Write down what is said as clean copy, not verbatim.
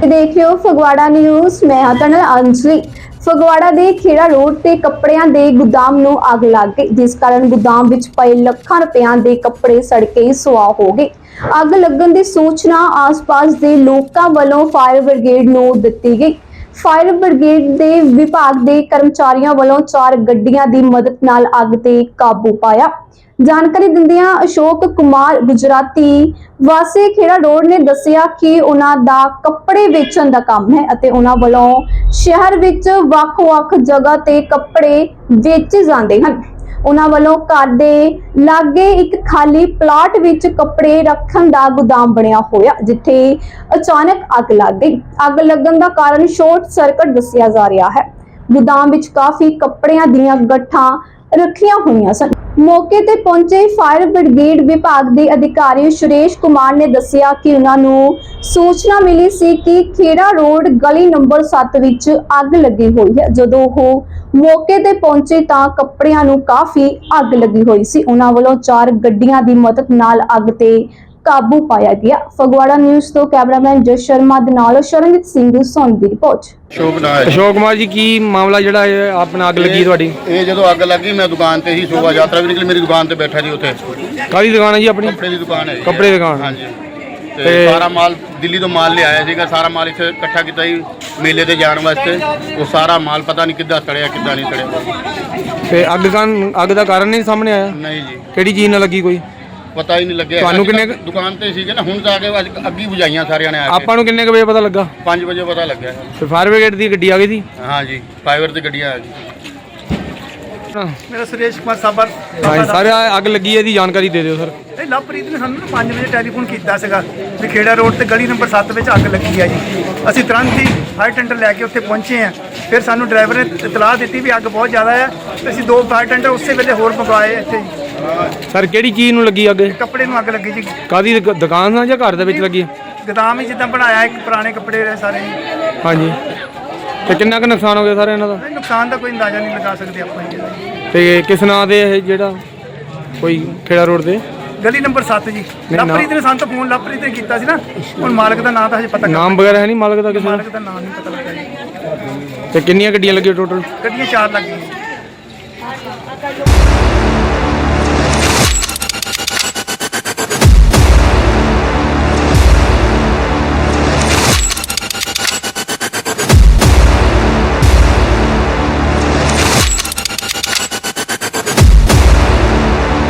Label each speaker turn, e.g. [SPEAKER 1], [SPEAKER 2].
[SPEAKER 1] ਤੁਸੀਂ ਦੇਖ ਰਹੇ ਹੋ ਫਗਵਾੜਾ ਨਿਊਜ਼। ਮੈਂ ਹਾਂ ਤੁਹਾਡੇ ਨਾਲ ਅੰਜਲੀ। ਫਗਵਾੜਾ ਦੇ ਖੇੜਾ ਰੋਡ ਤੇ ਕੱਪੜਿਆਂ ਦੇ ਗੁਦਾਮ ਨੂੰ ਅੱਗ ਲੱਗ ਗਈ, ਜਿਸ ਕਾਰਨ ਗੁਦਾਮ ਵਿੱਚ ਪਏ ਲੱਖਾਂ ਰੁਪਇਆਂ ਦੇ ਕੱਪੜੇ ਸੜ ਕੇ ਸੁਆਹ ਹੋ ਗਏ। ਅੱਗ ਲੱਗਣ ਦੀ ਸੂਚਨਾ ਆਸ-ਪਾਸ ਦੇ ਲੋਕਾਂ ਵੱਲੋਂ ਫਾਇਰ ਬ੍ਰਿਗੇਡ ਨੂੰ ਦਿੱਤੀ ਗਈ। ਫਾਇਰ ਬ੍ਰਿਗੇਡ ਦੇ ਵਿਭਾਗ ਦੇ ਕਰਮਚਾਰੀਆਂ ਵੱਲੋਂ 4 ਗੱਡੀਆਂ ਦੀ ਮਦਦ ਨਾਲ ਅੱਗ ਤੇ ਕਾਬੂ ਪਾਇਆ। ਜਾਣਕਾਰੀ ਦਿੰਦਿਆਂ ਅਸ਼ੋਕ ਕੁਮਾਰ ਗੁਜਰਾਤੀ ਵਾਸੀ ਖੇੜਾ ਰੋਡ ਨੇ ਦੱਸਿਆ ਕਿ ਉਹਨਾਂ ਦਾ ਕੱਪੜੇ ਵੇਚਣ ਦਾ ਕੰਮ ਹੈ ਅਤੇ ਉਹਨਾਂ ਵੱਲੋਂ ਸ਼ਹਿਰ ਵਿੱਚ ਵੱਖ-ਵੱਖ ਜਗ੍ਹਾ ਤੇ ਕੱਪੜੇ ਵੇਚੇ ਜਾਂਦੇ ਹਨ। ਉਹਨਾਂ ਵੱਲੋਂ ਘਰ ਦੇ ਲਾਗੇ ਇੱਕ ਖਾਲੀ ਪਲਾਟ ਵਿੱਚ ਕੱਪੜੇ ਰੱਖਣ ਦਾ ਗੁਦਾਮ ਬਣਿਆ ਹੋਇਆ, ਜਿੱਥੇ ਅਚਾਨਕ ਅੱਗ ਲੱਗ ਗਈ। ਅੱਗ ਲੱਗਣ ਦਾ ਕਾਰਨ ਸ਼ਾਰਟ ਸਰਕਟ ਦੱਸਿਆ ਜਾ ਰਿਹਾ ਹੈ। ਗੁਦਾਮ ਵਿੱਚ ਕਾਫੀ ਕੱਪੜਿਆਂ ਦੀਆਂ ਗੱਠਾਂ ਰੱਖੀਆਂ ਹੋਈਆਂ ਸਨ। ਮੌਕੇ ਤੇ ਪਹੁੰਚੇ ਫਾਇਰ ਬ੍ਰਿਗੇਡ ਵਿਭਾਗ ਦੇ ਅਧਿਕਾਰੀ ਸੁਰੇਸ਼ ਕੁਮਾਰ ਨੇ ਦੱਸਿਆ ਕਿ ਉਹਨਾਂ ਨੂੰ ਸੂਚਨਾ ਮਿਲੀ ਸੀ ਕਿ ਖੇੜਾ ਰੋਡ ਗਲੀ ਨੰਬਰ 7 ਵਿੱਚ ਅੱਗ ਲੱਗੀ ਹੋਈ ਹੈ। ਜਦੋਂ ਉਹ ਮੌਕੇ ਤੇ ਪਹੁੰਚੇ ਤਾਂ ਕੱਪੜਿਆਂ ਨੂੰ ਕਾਫੀ ਅੱਗ ਲੱਗੀ ਹੋਈ ਸੀ। ਉਹਨਾਂ ਵੱਲੋਂ 4 ਗੱਡੀਆਂ ਦੀ ਮਦਦ ਨਾਲ ਅੱਗ ਤੇ ਕਾਬੂ ਪਾਇਆ ਗਿਆ। ਫਗਵਾੜਾ ਨਿਊਜ਼ ਤੋਂ ਕੈਮਰਾਮੈਨ ਜਸ ਸ਼ਰਮਾ ਦੇ ਨਾਲ ਸ਼ਰਨਜੀਤ ਸਿੰਘ ਸੋਨੀ ਦੀ ਰਿਪੋर्ट।
[SPEAKER 2] अशोक कुमार जी की मामला जड़ा अपना अग लगी थोड़ी?
[SPEAKER 3] ये जो अग लगी मैं दुकान से ही शोभा यात्रा भी निकली, मेरी दुकान से बैठा जी उत्थे।
[SPEAKER 2] कादी दुकान है जी अपनी?
[SPEAKER 3] कपड़े की दुकान है।
[SPEAKER 2] कपड़े की दुकान?
[SPEAKER 3] हाँ जी। ते सारा माल दिल्ली तो माल ले आया सीगा, सारा माल इत्थे इकट्ठा किया ही मेले ते जाण वास्ते। वो सारा माल पता नहीं किद्दां सड़िया किद्दां नहीं सड़िया।
[SPEAKER 2] ते अग दा कारण नहीं सामने आया?
[SPEAKER 3] नहीं जी,
[SPEAKER 2] किहड़ी चीज़ नाल लगी कोई
[SPEAKER 3] पता ही नहीं लगे।
[SPEAKER 2] ਤੁਹਾਨੂੰ ਕਿੰਨੇ
[SPEAKER 3] दुकान ते सीगे ना, हुण जाके अग्गी बुझाइयां सारियां ने आके।
[SPEAKER 2] ਆਪਾਂ ਨੂੰ ਕਿੰਨੇ ਕੁ ਵਜੇ ਪਤਾ ਲੱਗਾ?
[SPEAKER 3] 5 बजे पता लग्या।
[SPEAKER 2] ਤੇ ਫਾਇਰ ਬ੍ਰਿਗੇਡ ਦੀ ਗੱਡੀ ਆ ਗਈ ਸੀ?
[SPEAKER 3] हाँ जी, फाइबर ते गड्डियां आ गई।
[SPEAKER 4] मेरा सुरेश कुमार साबर।
[SPEAKER 2] ਹਾਂ ਸਾਰੇ ਅੱਗ ਲੱਗੀ ਹੈ ਦੀ ਜਾਣਕਾਰੀ ਦੇ ਦਿਓ ਸਰ।
[SPEAKER 4] ਇਹ ਲਵਪ੍ਰੀਤ ਨੇ ਸਾਨੂੰ 5 ਵਜੇ ਟੈਲੀਫੋਨ ਕੀਤਾ ਸੀਗਾ ਵੀ ਖੇੜਾ ਰੋਡ ਤੇ ਗਲੀ ਨੰਬਰ 7 ਵਿੱਚ ਅੱਗ ਲੱਗੀ ਆ ਜੀ। ਅਸੀਂ ਤੁਰੰਤ ਹੀ ਫਾਇਰ ਟੈਂਡਰ ਲੈ ਕੇ ਉੱਥੇ ਪਹੁੰਚੇ ਆ। ਫਿਰ ਸਾਨੂੰ ਡਰਾਈਵਰ ਨੇ ਇਤਲਾਹ ਦਿੱਤੀ ਵੀ ਅੱਗ ਬਹੁਤ ਜ਼ਿਆਦਾ ਹੈ ਤੇ ਅਸੀਂ 2 ਫਾਇਰ ਟੈਂਡਰ ਉਸੇ ਵੇਲੇ ਹੋਰ ਮੰਗਵਾਏ ਇੱਥੇ ਜੀ।
[SPEAKER 2] ਸਰ ਕਿਹੜੀ ਚੀਜ਼ ਨੂੰ ਲੱਗੀ ਅੱਗ?
[SPEAKER 4] ਕੱਪੜੇ ਨੂੰ ਅੱਗ ਲੱਗੀ ਜੀ।
[SPEAKER 2] ਕਾਦੀ ਦੁਕਾਨ ਨਾਲ ਜਾਂ ਘਰ ਦੇ ਵਿੱਚ ਲੱਗੀ?
[SPEAKER 4] ਗੋਦਾਮ ਹੀ ਜਿੱਦਾਂ ਬਣਾਇਆ ਇੱਕ ਪੁਰਾਣੇ ਕੱਪੜੇ ਰਹੇ ਸਾਰੇ ਜੀ।
[SPEAKER 2] ਹਾਂਜੀ। ਤੇ ਕਿੰਨਾ ਕੁ ਨੁਕਸਾਨ ਹੋ ਗਿਆ ਸਾਰੇ ਇਹਨਾਂ ਦਾ?
[SPEAKER 4] ਨੁਕਸਾਨ ਦਾ ਕੋਈ ਅੰਦਾਜ਼ਾ ਨਹੀਂ ਲਗਾ ਸਕਦੇ ਆਪਾਂ ਜੀ।
[SPEAKER 2] ਤੇ ਕਿਸ ਨਾਂ ਦੇ ਇਹ ਜਿਹੜਾ ਕੋਈ ਖੇੜਾ ਰੋਡ ਦੇ?
[SPEAKER 4] ਗਲੀ ਨੰਬਰ 7 ਜੀ। ਲਵਪ੍ਰੀਤ ਨੇ ਸਾਨੂੰ ਤਾਂ ਫੋਨ ਲਵਪ੍ਰੀਤ ਨੇ ਕੀਤਾ ਸੀ ਨਾ। ਹੁਣ ਮਾਲਕ ਦਾ ਨਾਂ ਤਾਂ ਹਜੇ ਪਤਾ
[SPEAKER 2] ਨਾਮ ਵਗੈਰਾ ਹੈ ਨਹੀਂ ਮਾਲਕ ਦਾ ਕਿਸੇ ਦਾ?
[SPEAKER 4] ਮਾਲਕ ਦਾ ਨਾਮ ਨਹੀਂ ਪਤਾ ਲੱਗਾ ਜੀ।
[SPEAKER 2] ਤੇ ਕਿੰਨੀਆਂ ਗੱਡੀਆਂ ਲੱਗੀਆਂ ਟੋਟਲ?
[SPEAKER 4] ਗੱਡੀਆਂ 4 ਲੱਗੀਆਂ।